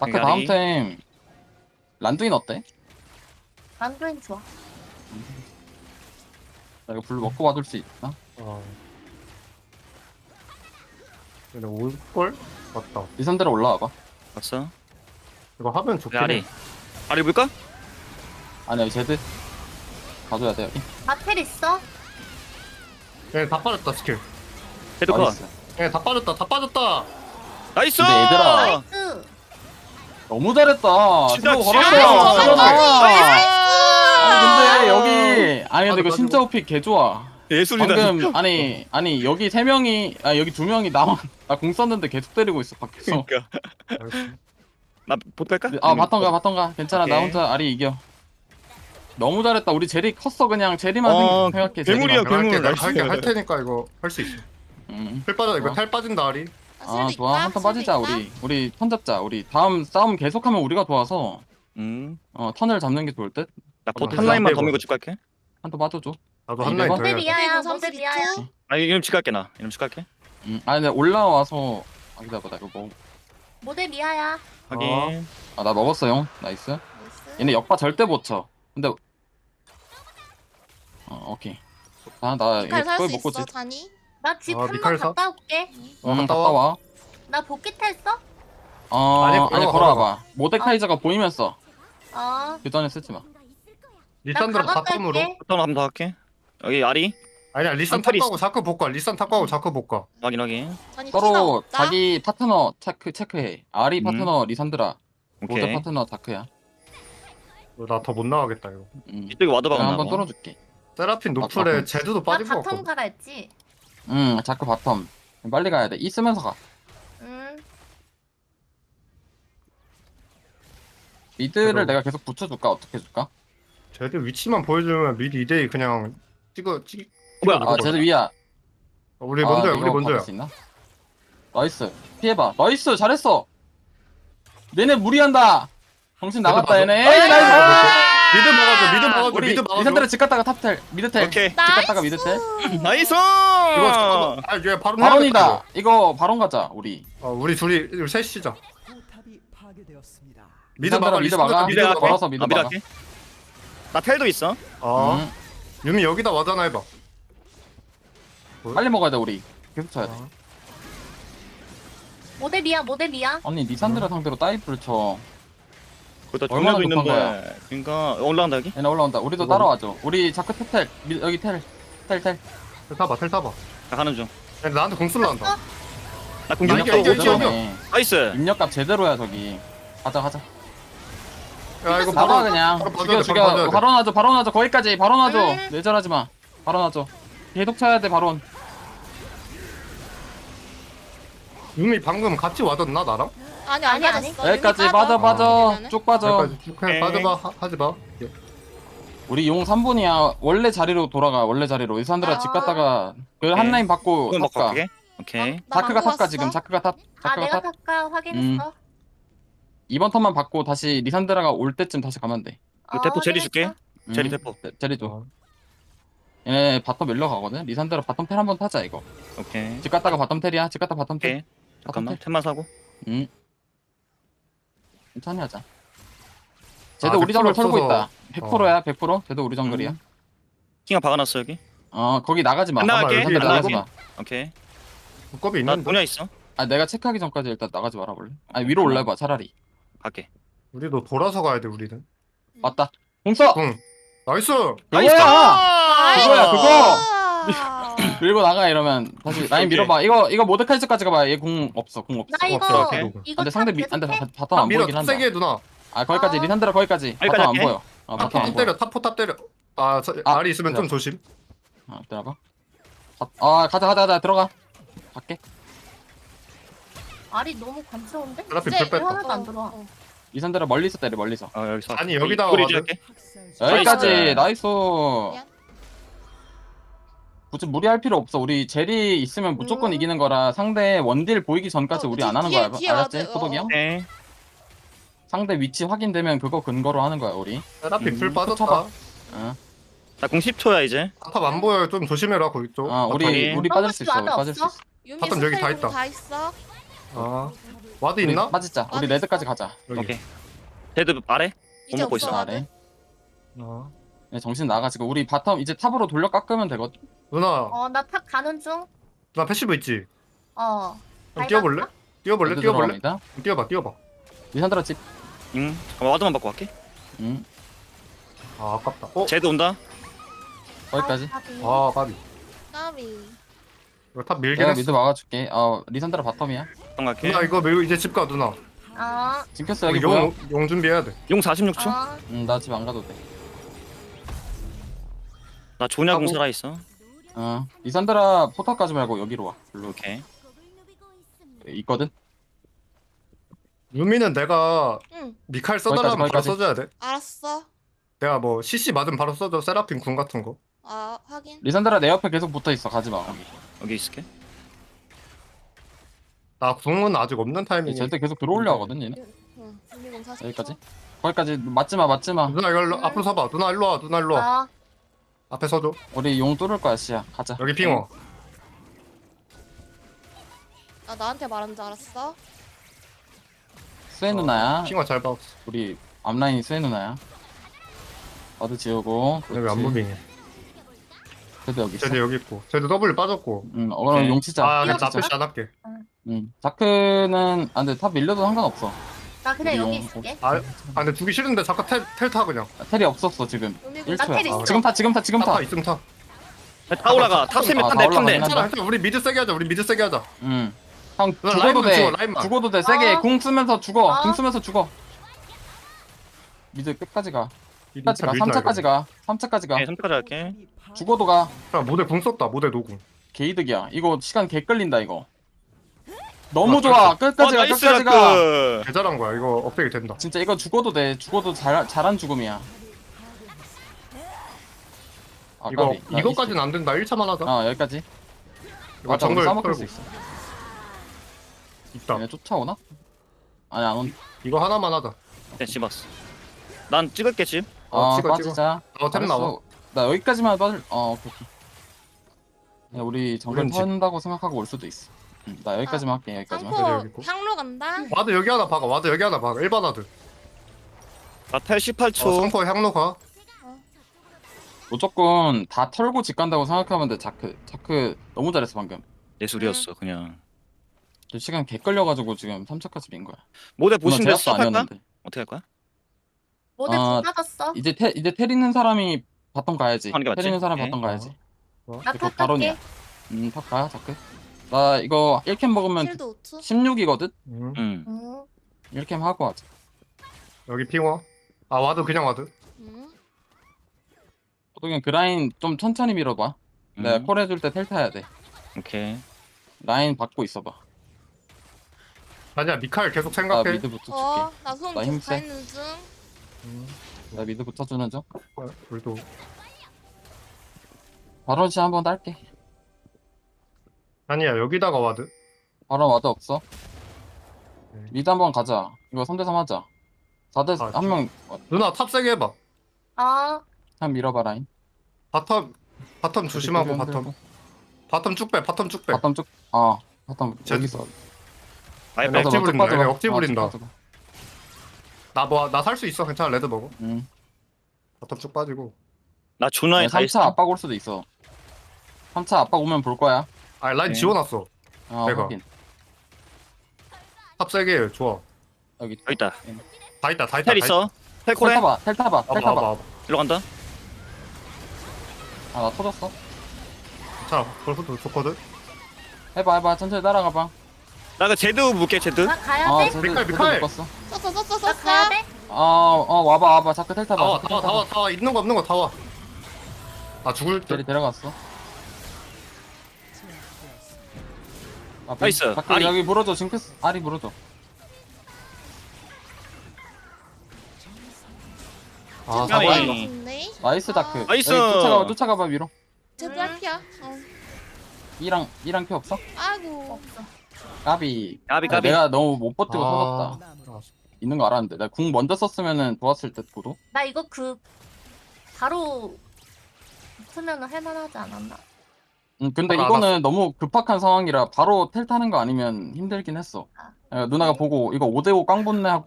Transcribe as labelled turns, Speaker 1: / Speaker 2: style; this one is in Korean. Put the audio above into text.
Speaker 1: 다크 다음 템 란두인 어때?
Speaker 2: 란두인 좋아.
Speaker 1: 나 이거 블루 먹고 받을 수 있나?
Speaker 3: 근데 올걸? 맞다.
Speaker 1: 리산드라 올라와봐.
Speaker 4: 봤어?
Speaker 3: 이거 하면 좋긴
Speaker 4: 아리.
Speaker 3: 해.
Speaker 4: 아리 볼까?
Speaker 1: 아니 여기 제드 가져야 돼 여기.
Speaker 2: 마텔 있어?
Speaker 3: 얘 다 빠졌다 스킬.
Speaker 4: 헤드 컷.
Speaker 1: 나이스.
Speaker 3: 얘 다 빠졌다. 다 빠졌다.
Speaker 4: 나이스!
Speaker 1: 근데 얘들아.
Speaker 2: 나이스.
Speaker 1: 너무 잘했다.
Speaker 4: 진짜
Speaker 1: 스노우
Speaker 4: 지렸어.
Speaker 1: 걸었어.
Speaker 4: 나이스.
Speaker 1: 아니 근데 여기 아니 근데 이거
Speaker 3: 맞아,
Speaker 1: 진짜 오픽 개 좋아.
Speaker 4: 예술이다.
Speaker 1: 방금 아니 여기 세 명이 여기 두 명이 나만 나 공 썼는데 계속 때리고 있어 밖에서.
Speaker 4: 그러니까.
Speaker 3: 나이스.
Speaker 4: 나 보탈까?
Speaker 1: 아 바텀가 괜찮아 나
Speaker 4: 오케이.
Speaker 1: 혼자 아리 이겨. 너무 잘했다. 우리 제리 컸어 그냥 제리만 생각해.
Speaker 4: 괴물이야,
Speaker 1: 제리만.
Speaker 4: 괴물.
Speaker 3: 내가
Speaker 4: 나이스.
Speaker 3: 할게 할 테니까 이거 할 수 있어.
Speaker 1: 응.
Speaker 3: 탈 빠져. 이거
Speaker 1: 좋아.
Speaker 3: 탈 빠진다 아리.
Speaker 1: 아 좋아 한 턴 빠지자 우리 턴 잡자. 우리 다음 싸움 계속하면 우리가 좋아서 턴을 잡는 게 좋을 듯.
Speaker 4: 나 보트
Speaker 3: 아,
Speaker 4: 한 라인만
Speaker 3: 안
Speaker 4: 더
Speaker 3: 되고.
Speaker 4: 밀고 집 갈게.
Speaker 1: 한 턴 빠져줘.
Speaker 3: 나도
Speaker 1: 아,
Speaker 3: 한 라인 더
Speaker 1: 이거?
Speaker 2: 모델
Speaker 3: 해야 돼.
Speaker 2: 미아야. 모델 미아야.
Speaker 4: 아 이름 집 갈게 나. 이름 집 갈게.
Speaker 1: 아니 근데 올라와서 기다려봐 나 이거 먹.
Speaker 2: 모델 미아야.
Speaker 4: 확인.
Speaker 1: 나 먹었어 형. 나이스. 얘네 역파 절대 못 쳐. 근데 오케이. 나
Speaker 5: 미칼
Speaker 1: 이거
Speaker 5: 살
Speaker 1: 거의
Speaker 5: 수
Speaker 1: 먹고
Speaker 5: 있어
Speaker 1: 지.
Speaker 5: 자니?
Speaker 2: 나 집
Speaker 3: 아,
Speaker 2: 한 번
Speaker 3: 미칼 사?
Speaker 2: 갔다 올게.
Speaker 3: 갔다
Speaker 1: 갔다
Speaker 3: 와.
Speaker 1: 와.
Speaker 2: 나 복귀 탔어?
Speaker 1: 아니
Speaker 3: 아니,
Speaker 1: 걸어와봐. 모데카이저가 보이면 써.
Speaker 2: 어.
Speaker 1: 그 전에 쓰지 마.
Speaker 2: 나
Speaker 3: 리산드라
Speaker 2: 가방
Speaker 3: 바텀으로.
Speaker 2: 갈게.
Speaker 4: 보통 한번 더 할게. 여기 아리.
Speaker 3: 아니야 리산
Speaker 4: 안탈이
Speaker 3: 탑하고 자크 복과. 리산 탑하고 자크 복과.
Speaker 4: 확인 확인.
Speaker 5: 자니
Speaker 1: 서로
Speaker 5: 키나 없다?
Speaker 1: 자기 파트너 체크해. 아리 파트너 리산드라. 모데
Speaker 4: 오케이.
Speaker 1: 파트너 다크야.
Speaker 3: 나 더 못 나가겠다 이거.
Speaker 4: 이쪽에 와드
Speaker 1: 내가
Speaker 4: 박았나
Speaker 1: 한번
Speaker 4: 봐.
Speaker 1: 뚫어줄게.
Speaker 3: 세라핀
Speaker 1: 아,
Speaker 3: 노플에 제드도
Speaker 2: 나
Speaker 3: 빠진 거
Speaker 2: 바텀
Speaker 3: 같거든.
Speaker 2: 가라 했지.
Speaker 1: 자크 바텀. 빨리 가야 돼. 이 쓰면서 가.
Speaker 2: 응.
Speaker 1: 미드를
Speaker 3: 그래도-
Speaker 1: 내가 계속 붙여줄까? 어떻게 해줄까?
Speaker 3: 제드 위치만 보여주면 미드 2대2 그냥 찍어.
Speaker 4: 뭐야?
Speaker 1: 쟤들 위야.
Speaker 3: 우리 먼저야.
Speaker 1: 이거
Speaker 3: 우리 먼저야.
Speaker 1: 받을 수 있나? 나이스. 피해봐. 나이스. 잘했어. 얘네 무리한다. 정신 나갔다
Speaker 3: 맞아.
Speaker 1: 얘네. 에이 나이스.
Speaker 3: 미드 막아줘. 미드 막아줘.
Speaker 1: 우리
Speaker 3: 미드 막아줘.
Speaker 1: 리산드라 집 갔다가 탑텔. 미드텔.
Speaker 4: 오케이.
Speaker 1: 집 갔다가 미드텔.
Speaker 4: 나이스!
Speaker 3: 이거 얘 바로 해야겠다,
Speaker 1: 바론이다. 이거 바론 가자. 우리.
Speaker 3: 이거. 우리 둘이 셋이자. 미드
Speaker 1: 리산드라
Speaker 3: 막아.
Speaker 1: 미드 막아.
Speaker 3: 미드
Speaker 4: 미드
Speaker 3: 막아.
Speaker 4: 갈게.
Speaker 1: 걸어서 미드
Speaker 4: 미드
Speaker 1: 막아.
Speaker 4: 갈게. 나 텔도 있어.
Speaker 3: 아 유미 여기다 와잖아 해봐.
Speaker 1: 빨리 먹어야 돼 우리. 계속 쳐야 돼.
Speaker 2: 모델 미아. 모델 미아.
Speaker 1: 아니 리산드라 상대로 다이브를 쳐.
Speaker 4: 거기다
Speaker 1: 얼마나
Speaker 4: 정렬도
Speaker 1: 급한
Speaker 4: 있는데. 그러니까 올라간다 여기.
Speaker 1: 얘네 올라온다. 우리도
Speaker 3: 이거
Speaker 1: 따라와줘. 우리 자크 텔. 여기 텔. 텔.
Speaker 3: 텔 타봐. 텔 타봐.
Speaker 4: 나 가는 중.
Speaker 3: 야, 나한테 공 쏠란다.
Speaker 4: 나 공격
Speaker 3: 이겨,
Speaker 4: 또
Speaker 3: 이겨,
Speaker 4: 오죠.
Speaker 3: 이겨.
Speaker 4: 나이스.
Speaker 1: 입력값 제대로야 저기. 가자.
Speaker 3: 야 이거
Speaker 1: 나가
Speaker 3: 바로
Speaker 1: 그냥.
Speaker 3: 바로 봐줘야 돼,
Speaker 1: 죽여.
Speaker 3: 바로 봐줘야 돼.
Speaker 1: 바로 놔줘. 거기까지. 바로 놔줘.
Speaker 2: 응.
Speaker 1: 내절하지 마. 바로 놔줘. 계속 쳐야 돼 바론.
Speaker 3: 유미 방금 같이 와줬나 나랑?
Speaker 5: 아니 안
Speaker 2: 아니,
Speaker 5: 가졌어.
Speaker 1: 여기까지
Speaker 5: 유미
Speaker 1: 빠져.
Speaker 5: 그러면은?
Speaker 1: 쭉 빠져.
Speaker 3: 여기까지 쭉 그냥 빠져봐. 하지 마.
Speaker 1: 우리 용 3분이야. 원래 자리로 돌아가. 원래 자리로. 이산드라 집 갔다가 그 한
Speaker 4: 오케이.
Speaker 1: 라인 받고
Speaker 4: 그건 먹고
Speaker 1: 탑가.
Speaker 4: 갈게. 오케이.
Speaker 5: 나
Speaker 1: 자크가
Speaker 5: 망고
Speaker 1: 탑가
Speaker 5: 왔어?
Speaker 1: 지금. 자크가 탑.
Speaker 2: 아
Speaker 1: 자크가
Speaker 2: 내가
Speaker 1: 탑.
Speaker 2: 탑가 확인했어.
Speaker 1: 이번 턴만 받고 다시 리산드라가 올 때쯤 다시 가면 돼.
Speaker 4: 그 대포 제리 줄게. 제리 대포.
Speaker 1: 제리 줘.
Speaker 3: 어.
Speaker 1: 얘네 바텀 밀러 가거든. 리산드라 바텀 텔 한번 타자 이거.
Speaker 4: 오케이.
Speaker 1: 집 갔다가 바텀 텔이야. 집 갔다 바텀 텔.
Speaker 4: 오케이. 잠깐만.
Speaker 1: 텔.
Speaker 4: 템만 사고.
Speaker 1: 천천히 하자. 쟤도 우리
Speaker 3: 100%
Speaker 1: 정글 털고
Speaker 3: 없어서.
Speaker 1: 있다. 100%야 100%. 쟤도 우리 정글이야.
Speaker 4: 킹아 박아놨어 여기.
Speaker 1: 거기 나가지 마.
Speaker 4: 안 나갈게.
Speaker 1: 리산드라
Speaker 3: 안
Speaker 1: 나가지
Speaker 4: 나갈게.
Speaker 1: 마.
Speaker 4: 오케이.
Speaker 3: 겁이
Speaker 4: 나
Speaker 3: 있는데.
Speaker 4: 분야 있어.
Speaker 1: 내가 체크하기 전까지 일단 나가지 말아볼래? 위로 올라봐 차라리.
Speaker 4: 갈게.
Speaker 3: 우리도 돌아서 가야 돼 우리는.
Speaker 1: 맞다. 공써.
Speaker 3: 응. 나이스.
Speaker 1: 그거야. 그거야, 그거!
Speaker 5: 아.
Speaker 1: 밀고 나가 이러면 다시 라인
Speaker 4: 오케이.
Speaker 1: 밀어봐. 이거 모데카이저까지 가봐. 얘 공 없어. 공 없어.
Speaker 2: 나 이거
Speaker 3: 없어,
Speaker 4: 오케이.
Speaker 2: 이거
Speaker 1: 근데 상대
Speaker 2: 탑
Speaker 1: 안돼
Speaker 2: 계속해?
Speaker 1: 바텀 안
Speaker 3: 밀어
Speaker 1: 보이긴 한다.
Speaker 3: 세게 해 누나.
Speaker 1: 거기까지
Speaker 2: 아.
Speaker 1: 리산드라 거기까지. 바텀
Speaker 4: 여기까지
Speaker 1: 안
Speaker 4: 할게.
Speaker 1: 보여. 바텀
Speaker 3: 탑
Speaker 1: 안 보여.
Speaker 3: 때려. 탑 때려. 알이 있으면 좀 조심.
Speaker 1: 들어봐. 가자 들어가. 갈게.
Speaker 2: 알이 너무 간지러운데?
Speaker 3: 세라핀
Speaker 5: 이제
Speaker 3: 불 뺐다.
Speaker 2: 하나도 안 들어와.
Speaker 1: 리산드라 멀리서 때려 멀리서.
Speaker 4: 여기서.
Speaker 3: 아니, 여기다가
Speaker 4: 우리
Speaker 3: 와도-
Speaker 4: 할게.
Speaker 1: 여기까지 나이스.
Speaker 5: 미안.
Speaker 1: 굳이 무리할 필요 없어. 우리 제리 있으면 무조건 이기는 거라 상대 원딜 보이기 전까지 우리 안 하는
Speaker 5: 뒤에,
Speaker 1: 거야.
Speaker 5: 뒤에
Speaker 1: 알았지?
Speaker 5: 와드,
Speaker 1: 포독이 형?
Speaker 4: 오케이.
Speaker 1: 상대 위치 확인되면 그거 근거로 하는 거야 우리.
Speaker 3: 세라핀 불
Speaker 1: 쳐봐.
Speaker 3: 빠졌다.
Speaker 1: 어.
Speaker 4: 나공 10초야 이제.
Speaker 3: 탑 안 보여. 좀 조심해라 거기 쪽.
Speaker 1: 우리
Speaker 4: 바텀이.
Speaker 1: 빠질 수 있어. 우리
Speaker 2: 와드
Speaker 1: 빠질 수
Speaker 2: 없어?
Speaker 1: 있어.
Speaker 5: 유미
Speaker 3: 바텀 여기 다
Speaker 5: 스펠
Speaker 3: 있다.
Speaker 5: 다 있어.
Speaker 3: 아 와드
Speaker 1: 우리
Speaker 3: 있나?
Speaker 1: 빠지자. 우리
Speaker 5: 와드
Speaker 1: 레드까지
Speaker 5: 있어?
Speaker 1: 가자.
Speaker 3: 여기.
Speaker 4: 오케이. 제드 아래?
Speaker 5: 이제
Speaker 4: 먹고
Speaker 5: 없어
Speaker 4: 있어,
Speaker 5: 와드.
Speaker 1: 아래.
Speaker 3: 어.
Speaker 1: 네, 정신 나가지고 우리 바텀 이제 탑으로 돌려 깎으면 되거든.
Speaker 3: 누나
Speaker 2: 나 탑 가는 중.
Speaker 3: 누나 패시브 있지?
Speaker 2: 어.
Speaker 3: 그럼 뛰어볼래? 뛰어볼래?
Speaker 1: 레드
Speaker 3: 뛰어볼래?
Speaker 1: 들어갑니다.
Speaker 3: 뛰어봐.
Speaker 1: 리산드라 집.
Speaker 4: 응. 잠깐만 와드만 받고 갈게.
Speaker 3: 아 아깝다. 어?
Speaker 4: 제드 온다.
Speaker 1: 거기까지.
Speaker 3: 아 까비.
Speaker 5: 까비.
Speaker 3: 이거 탑 밀긴
Speaker 1: 내가
Speaker 3: 했어.
Speaker 1: 미드 막아줄게. 리산드라 바텀이야.
Speaker 4: 방 갈게.
Speaker 3: 누나 이거 밀고 이제 집 가 누나.
Speaker 2: 어.
Speaker 1: 징크스 여기 보여?
Speaker 3: 용 준비해야 돼.
Speaker 4: 용 46초.
Speaker 2: 어.
Speaker 1: 나 집 안 가도 돼.
Speaker 4: 나 조냐공
Speaker 1: 하고.
Speaker 4: 살아있어.
Speaker 1: 리산드라 포탑 가지 말고 여기로 와. 일로
Speaker 4: 오케이.
Speaker 1: 있거든.
Speaker 3: 유미는 내가
Speaker 5: 응.
Speaker 3: 미칼 써달라면 바로
Speaker 1: 거기까지.
Speaker 3: 써줘야 돼.
Speaker 5: 알았어.
Speaker 3: 내가 뭐 CC 맞으면 바로 써줘. 세라핀 궁 같은 거.
Speaker 5: 아 확인.
Speaker 1: 리산드라 내 옆에 계속 붙어 있어. 가지 마.
Speaker 4: 여기 있을게.
Speaker 3: 나 궁은 아직 없는 타이밍이.
Speaker 1: 절대 계속 들어올려 하거든 얘는.
Speaker 5: 응. 준비공 40초.
Speaker 1: 여기까지. 거기까지 맞지 마.
Speaker 3: 누나 이거 앞으로 서봐. 누나 일로 와. 누나 일로 와.
Speaker 2: 어.
Speaker 3: 앞에 서줘.
Speaker 1: 우리 용 뚫을 거야 씨야. 가자.
Speaker 3: 여기 핑어.
Speaker 5: 나 나한테 말한 줄 알았어.
Speaker 1: 스웨 누나야.
Speaker 3: 핑어 잘 봐.
Speaker 1: 우리 앞라인이 스웨 누나야. 어드 지우고.
Speaker 3: 여기 안 무빙해.
Speaker 1: 그래도 여기 있어.
Speaker 3: 쟤도 여기 있고. 쟤도 W 빠졌고.
Speaker 1: 그럼
Speaker 4: 오케이.
Speaker 1: 용 치자.
Speaker 3: 아
Speaker 1: 용
Speaker 3: 그냥 나
Speaker 1: 치자.
Speaker 3: 패시 안 할게.
Speaker 1: 자크는 근데 탑 밀려도 상관없어.
Speaker 2: 나 그냥
Speaker 1: 우리
Speaker 2: 여기
Speaker 1: 용-
Speaker 2: 있을게.
Speaker 3: 근데 두기 싫은데 잠깐 텔 타 그냥.
Speaker 1: 텔이 없었어 지금.
Speaker 5: 준비공
Speaker 1: 1초야.
Speaker 2: 텔 있어.
Speaker 1: 지금 타. 지금 타.
Speaker 3: 타 있으면 타.
Speaker 4: 다 올라가. 탑 세면
Speaker 1: 아,
Speaker 4: 탄대
Speaker 1: 다 올라가긴
Speaker 4: 탄대.
Speaker 1: 한다.
Speaker 3: 괜찮아. 우리 미드 세게 하자. 우리 미드 세게 하자.
Speaker 1: 형
Speaker 3: 누나,
Speaker 1: 죽어도
Speaker 3: 라인만
Speaker 1: 돼.
Speaker 3: 죽어, 라인만.
Speaker 1: 죽어도 돼. 세게
Speaker 2: 어.
Speaker 1: 궁 쓰면서 죽어.
Speaker 2: 어.
Speaker 1: 궁 쓰면서 죽어. 미드 끝까지 가. 끝까지 가.
Speaker 3: 밀자,
Speaker 1: 3차까지
Speaker 3: 이거.
Speaker 1: 가. 3차까지 가.
Speaker 4: 오케이, 3차까지 할게.
Speaker 1: 죽어도 가.
Speaker 3: 야, 모델 궁 썼다. 모델 노궁.
Speaker 1: 개이득이야. 이거 시간 개 끌린다 이거. 너무
Speaker 3: 아,
Speaker 1: 좋아. 끝까지 가.
Speaker 4: 나이스
Speaker 1: 끝까지 가.
Speaker 4: 자크.
Speaker 3: 개 잘한 거야. 이거 업데이 된다.
Speaker 1: 진짜 이거 죽어도 돼. 죽어도 잘한 죽음이야. 아,
Speaker 3: 이거
Speaker 1: 까비. 나
Speaker 3: 이거까지는 안 된다. 1차만 하자.
Speaker 1: 여기까지.
Speaker 3: 이거
Speaker 1: 맞아, 우리
Speaker 3: 정글
Speaker 1: 싸먹을 수
Speaker 3: 털고.
Speaker 1: 있어.
Speaker 3: 있다.
Speaker 1: 얘네 쫓아오나? 아니 안 온.
Speaker 3: 이거 하나만 하자.
Speaker 4: 네, 집었어. 난 찍을게 집.
Speaker 3: 찍어,
Speaker 1: 빠지자.
Speaker 3: 템 나와.
Speaker 1: 알았어. 나 여기까지만 빠질. 오케이. 야, 우리 정글
Speaker 3: 우린 집.
Speaker 1: 턴다고 생각하고 올 수도 있어. 나 여기까지만 할게. 여기까지만.
Speaker 3: 여기
Speaker 5: 상포
Speaker 3: 있고.
Speaker 5: 향로 간다.
Speaker 3: 와드 여기 하나 박아. 와드 여기 하나 박아. 1번 와드.
Speaker 4: 나탈 18초.
Speaker 3: 성포 향로 가.
Speaker 1: 무조건 다 털고 집 간다고 생각하면 돼. 자크 너무 잘했어 방금.
Speaker 4: 예술이었어 그냥.
Speaker 1: 시간 개 끌려가지고 지금 3차까지 민 거야.
Speaker 4: 모델
Speaker 1: 누나
Speaker 4: 보시면
Speaker 1: 제압도
Speaker 4: 수업할까?
Speaker 1: 아니었는데.
Speaker 4: 어떻게 할 거야?
Speaker 2: 모델
Speaker 1: 아,
Speaker 2: 다 빠졌어.
Speaker 1: 이제 텔 있는 사람이 바텀 가야지.
Speaker 4: 하는 게 맞지?
Speaker 1: 텔 있는 사람
Speaker 4: 오케이.
Speaker 1: 바텀 가야지.
Speaker 2: 나
Speaker 1: 이거
Speaker 2: 탑
Speaker 1: 바론이야.
Speaker 2: 갈게.
Speaker 1: 탑 가, 자크. 나 이거 1캠 먹으면
Speaker 5: 킬도 5초.
Speaker 1: 16이거든?
Speaker 3: 응.
Speaker 4: 응.
Speaker 1: 1캠 하고 하자.
Speaker 3: 여기 핑어. 아 와드 그냥 와드.
Speaker 5: 응.
Speaker 1: 그냥 그 라인 좀 천천히 밀어봐. 내가 콜 해줄 때 텔 타야 돼.
Speaker 4: 오케이.
Speaker 1: 라인 받고 있어봐.
Speaker 3: 아니야 미칼 계속
Speaker 1: 나
Speaker 3: 생각해.
Speaker 1: 미드 붙여줄게.
Speaker 5: 나 소음
Speaker 1: 나
Speaker 5: 계속
Speaker 1: 힘세.
Speaker 5: 가 있는 중.
Speaker 1: 나 미드 붙여주는 중.
Speaker 3: 우리도
Speaker 1: 바론시 한번 딸게.
Speaker 3: 아니야 여기다가 와드.
Speaker 1: 바론 와드 없어.
Speaker 3: 네.
Speaker 1: 미드 한번 가자. 이거 3대3 하자. 4대
Speaker 3: 아,
Speaker 1: 한 명
Speaker 3: 누나 탑 세게 해봐.
Speaker 1: 한 밀어봐 라인.
Speaker 3: 바텀 조심하고
Speaker 1: 여기
Speaker 3: 바텀. 바텀 쭉 빼. 바텀 쭉 빼.
Speaker 1: 바텀 쭉. 바텀
Speaker 3: 제-
Speaker 1: 여기서.
Speaker 4: 아예
Speaker 3: 네,
Speaker 4: 빼.
Speaker 3: 억지 부린다.
Speaker 1: 빠져봐.
Speaker 3: 얘네 억지 부린다.
Speaker 1: 쭉 빠져봐.
Speaker 3: 나 살 수 있어. 괜찮아. 레드 먹어. 바텀 쭉 빠지고.
Speaker 4: 나 조나에 다
Speaker 1: 3차
Speaker 4: 있어.
Speaker 1: 압박 올 수도 있어. 3차 압박 오면 볼 거야.
Speaker 3: 아 라인
Speaker 4: 네.
Speaker 3: 지워놨어. 내가.
Speaker 1: 확인.
Speaker 3: 탑 세게 해. 좋아.
Speaker 1: 여기
Speaker 4: 여기 있다.
Speaker 3: 다 있다.
Speaker 4: 텔 있어. 텔 콜해.
Speaker 1: 텔 타봐.
Speaker 3: 봐봐.
Speaker 4: 일로 간다.
Speaker 1: 나 터졌어.
Speaker 3: 자, 벌써 좋거든.
Speaker 1: 해봐. 천천히 따라가봐.
Speaker 4: 나 그 제드 물게 제드.
Speaker 2: 나 가야 돼?
Speaker 3: 미칼.
Speaker 1: 묶었어.
Speaker 5: 썼어.
Speaker 2: 나 가야 돼?
Speaker 1: 와봐. 자크 텔 타봐.
Speaker 3: 다 와. 있는 거 다 와. 아 죽을 때.
Speaker 1: 데려갔어.
Speaker 4: 나이스.
Speaker 1: 자크
Speaker 4: 아리.
Speaker 1: 여기 물어줘. 징크스. 아리 물어줘.
Speaker 3: 아,
Speaker 4: 야,
Speaker 3: 사과.
Speaker 4: 이-
Speaker 1: 나이스 자크.
Speaker 4: 나이스.
Speaker 1: 여기 쫓아가봐 위로.
Speaker 5: 제드 할피야.
Speaker 1: 이랑 피 없어?
Speaker 5: 아이고.
Speaker 2: 없어.
Speaker 1: 까비.
Speaker 4: 까비.
Speaker 1: 내가 너무 못 버티고
Speaker 3: 아.
Speaker 1: 터졌다. 있는 거 알았는데. 나 궁 먼저 썼으면은 좋았을 듯 보도.
Speaker 2: 나 이거 바로 붙으면 할만하지 않았나?
Speaker 1: 근데
Speaker 3: 아,
Speaker 1: 이거는 너무 급박한 상황이라 바로 텔 타는 거 아니면 힘들긴 했어. 누나가 보고 이거 5대5 깡 붙네 하고